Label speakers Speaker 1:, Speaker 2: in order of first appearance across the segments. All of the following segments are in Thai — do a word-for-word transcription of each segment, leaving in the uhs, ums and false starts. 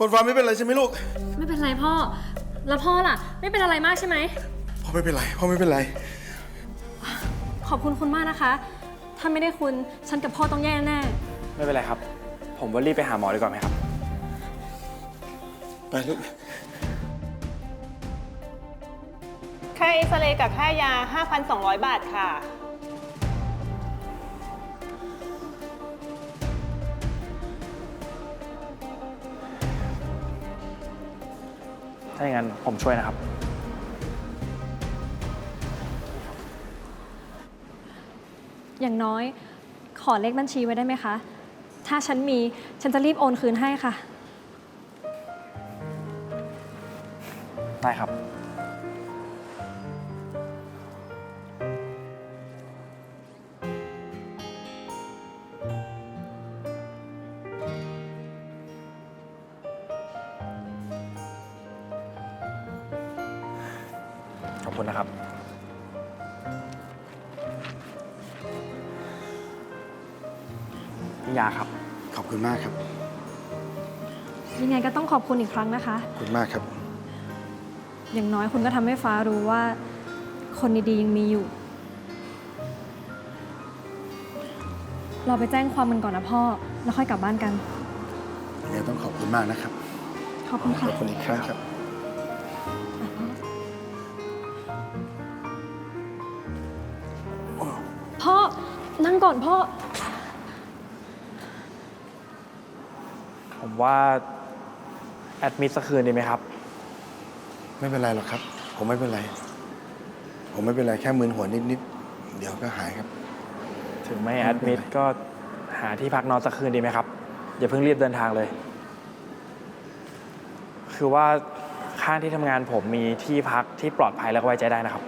Speaker 1: ฝนฟ้าไม่เป็นไรใช่ไหมลูก
Speaker 2: ไม่เป็นไรพ่อแล้วพ่อล่ะไม่เป็นอะไรมากใช่ไหม
Speaker 1: พ่อไม่เป็นไรพ่อไม่เป็นไร
Speaker 2: ขอบคุณคุณมากนะคะถ้าไม่ได้คุณฉันกับพ่อต้องแย่แน่
Speaker 3: ไม่เป็นไรครับผมว่ารีบไปหาหมอดีกว่าไหมครับ
Speaker 1: ไปลูก
Speaker 4: ค่าเอ็กซเรย์กับค่ายา ห้าพันสองร้อย บาทค่ะ
Speaker 3: ถ้าอย่างนั้นผมช่วยนะครับ
Speaker 2: อย่างน้อยขอเลขบัญชีไว้ได้ไหมคะถ้าฉันมีฉันจะรีบโอนคืนให้ค่ะ
Speaker 3: ได้ครับขอบคุณนะครับพี่ยาครับ
Speaker 1: ขอบคุณมากครับ
Speaker 2: ยังไงก็ต้องขอบคุณอีกครั้งนะคะ
Speaker 1: ขอบคุณมากครับ
Speaker 2: อย่างน้อยคุณก็ทำให้ฟ้ารู้ว่าคนดีๆยังมีอยู่เราไปแจ้งความกันก่อนนะพ่อแล้วค่อยกลับบ้านกัน
Speaker 1: ยังไงต้องขอบคุณมากนะครับ
Speaker 2: ขอบคุณค่ะ
Speaker 1: ขอบคุณอีกครั้งครับ
Speaker 2: พ่อนั่งก่อนพ่อ
Speaker 3: ผมว่าแอดมิดสักคืนดีไหมครับ
Speaker 1: ไม่เป็นไรหรอกครับผมไม่เป็นไรผมไม่เป็นไรแค่มึนหัวนิดๆเดี๋ยวก็หายครับ
Speaker 3: ถึงไม่แอดมิดก็หาที่พักนอนสักคืนดีไหมครับอย่าเพิ่งรีบเดินทางเลยคือว่าข้างที่ทำงานผมมีที่พักที่ปลอดภัยและไว้ใจได้นะครับ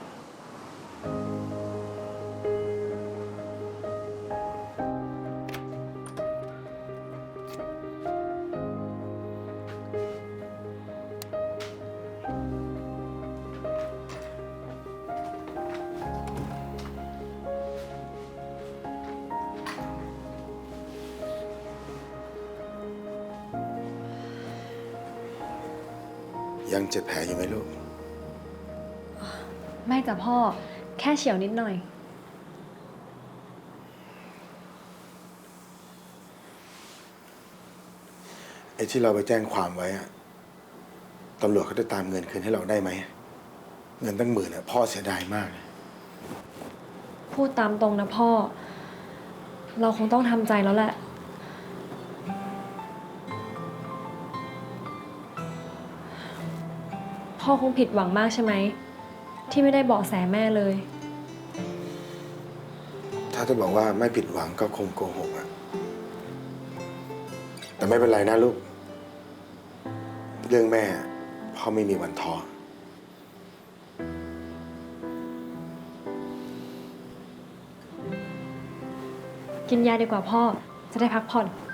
Speaker 1: ยังเจ็บแผลอยู่ไหมลูก
Speaker 2: ไม่จ้ะพ่อแค่เฉียวนิดหน่อย
Speaker 1: ไอ้ที่เราไปแจ้งความไว้อะตำรวจเขาจะตามเงินคืนให้เราได้ไหมเงินตั้งหมื่นอะพ่อเสียดายมาก
Speaker 2: พูดตามตรงนะพ่อเราคงต้องทำใจแล้วแหละพ่อคงผิดหวังมากใช่ไหมที่ไม่ได้เบาะแสแม่เลย
Speaker 1: ถ้าจะบอกว่าไม่ผิดหวังก็คงโกหกอะแต่ไม่เป็นไรนะลูกเรื่องแม่พ่อไม่มีวันท้อ
Speaker 2: กินยาดีกว่าพ่อจะได้พักผ่อน